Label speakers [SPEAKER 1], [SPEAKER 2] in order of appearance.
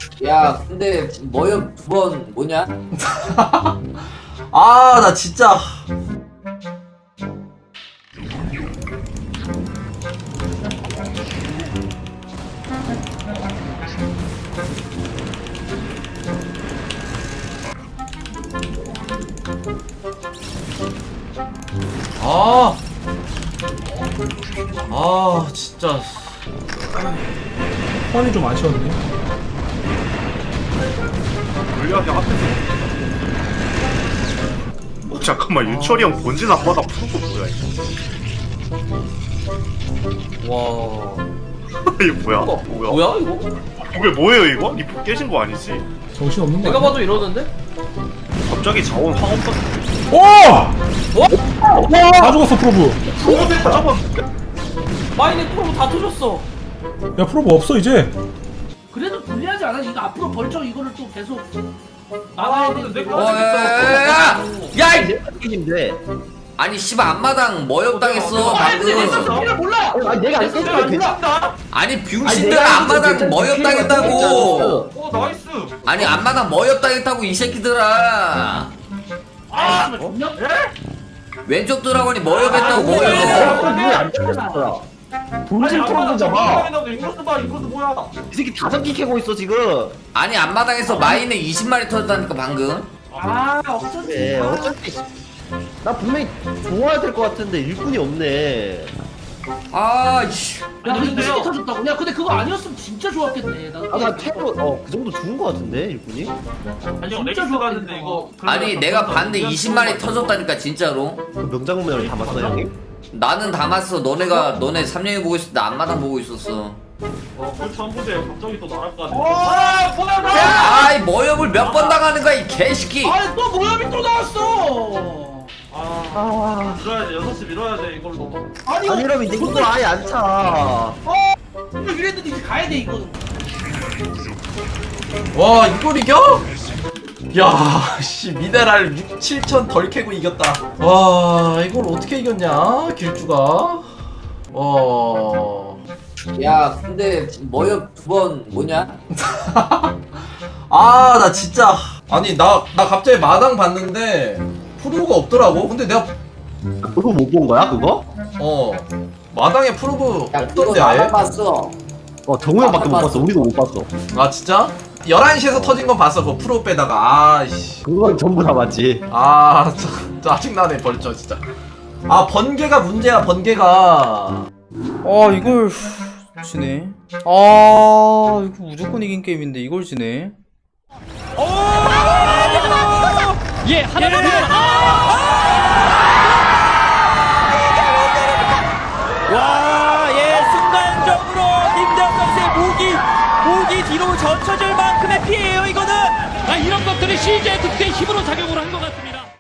[SPEAKER 1] 야, 근데 뭐여 두 번 뭐냐?
[SPEAKER 2] 아, 나 진짜. 진짜.
[SPEAKER 3] 펀이 좀 아쉬웠네.
[SPEAKER 4] 물리학이 앞에서. 잠깐만, 윤철이 형 본진 앞바다 푸는 거 뭐야 이거?
[SPEAKER 2] 와.
[SPEAKER 4] 이거 뭐야?
[SPEAKER 2] 뭐야, 이거?
[SPEAKER 4] 이게 뭐예요 이거? 리프 깨진 거 아니지?
[SPEAKER 3] 정신 없는 거
[SPEAKER 2] 내가
[SPEAKER 3] 아니야?
[SPEAKER 2] 봐도 이러는데?
[SPEAKER 4] 갑자기 자원 황 없어.
[SPEAKER 3] 오! 다 죽었어 프로브.
[SPEAKER 4] 다 잡았는데?
[SPEAKER 2] 마이네 프로브 다 터졌어.
[SPEAKER 3] 야 프로브 없어 이제.
[SPEAKER 5] 그래도 불리하지 않아? 이거 앞으로 벌쩍 이거를 또 계속 나가야 되는데.
[SPEAKER 1] 야!
[SPEAKER 6] 인데
[SPEAKER 1] 아니 씨발 앞마당 머역당했어 방금.
[SPEAKER 5] 피를 몰라.
[SPEAKER 6] 아니 내가 안 썼으면 괜찮아.
[SPEAKER 1] 아니 병신들 앞마당 머역당했다고.
[SPEAKER 4] 나이스.
[SPEAKER 1] 아니 앞마당 머역당했다고 이 새끼들아.
[SPEAKER 5] 아, 존나.
[SPEAKER 1] 왼쪽 드라곤이 머역했다고 머역.
[SPEAKER 6] 왜안 잡았어? 본진 프로브 잡아.
[SPEAKER 4] 이것도 봐, 이것도 뭐야?
[SPEAKER 6] 이 새끼 다섯 개 캐고 있어 지금.
[SPEAKER 1] 아니 앞마당에서 마인에 20마리 터졌다니까 방금.
[SPEAKER 5] 아, 어쩐지.
[SPEAKER 6] 네, 어차피 나 분명히 좋아야 될 것 같은데 일꾼이 없네.
[SPEAKER 1] 아이씨.
[SPEAKER 5] 야, 근데 20개 터졌다고? 야, 근데 그거 아니었으면 진짜 좋았겠네.
[SPEAKER 6] 아나 캐로 그 정도 죽은 것 같은데 일꾼이?
[SPEAKER 5] 아니, 진짜 좋았는데 이거.
[SPEAKER 1] 아니 내가 봤는데 20마리 터졌다니까 진짜로.
[SPEAKER 6] 그 명장면을 담았어 형님?
[SPEAKER 1] 나는 담았어. 너네 3년이 보고 있을 때 앞마당 보고 있었어.
[SPEAKER 4] 그렇죠, 한 부대 갑자기 또 날아가네.
[SPEAKER 5] 아, 뭐야 나?
[SPEAKER 1] 아이 머역을 몇 번 당하는 거야 이 개새끼.
[SPEAKER 5] 아니 또 모염이 또 나왔어.
[SPEAKER 4] 밀어야지, 6시 밀어야지, 이걸로.
[SPEAKER 5] 아니
[SPEAKER 6] 아니 이러면 이제 이거 아예 안 차.
[SPEAKER 5] 이랬는데 이제 가야 돼 이거는.
[SPEAKER 2] 와, 이걸 이겨? 야, 씨, 미네랄 6, 7천 덜 캐고 이겼다. 와, 이걸 어떻게 이겼냐, 길주가? 와.
[SPEAKER 1] 야 근데 머역 두 번 뭐냐?
[SPEAKER 2] 아, 나 진짜. 아니, 나 갑자기 마당 봤는데, 프로브가 없더라고? 근데 내가,
[SPEAKER 6] 그거 못 본 거야 그거?
[SPEAKER 2] 마당에 프로브
[SPEAKER 1] 야 그거
[SPEAKER 2] 없던데, 아예?
[SPEAKER 1] 나만 봤어.
[SPEAKER 6] 정우 형밖에 못 봤어. 우리도 못 봤어.
[SPEAKER 2] 아, 진짜? 11시에서 터진 건 봤어, 그거 프로브 빼다가. 아이씨.
[SPEAKER 6] 그건 전부 다 맞지.
[SPEAKER 2] 아, 짜증나네, 벌써, 진짜. 아, 번개가 문제야, 번개가.
[SPEAKER 7] 이걸 지네. 이거 무조건 이긴 게임인데 이걸 지네.
[SPEAKER 8] 예, 하나는 와, 예, 순간적으로 김대현 선수의 목이 뒤로 젖혀질 만큼의 피해예요, 이거는. 이런 것들이 CJ 득대 힘으로 작용을 한 것 같습니다.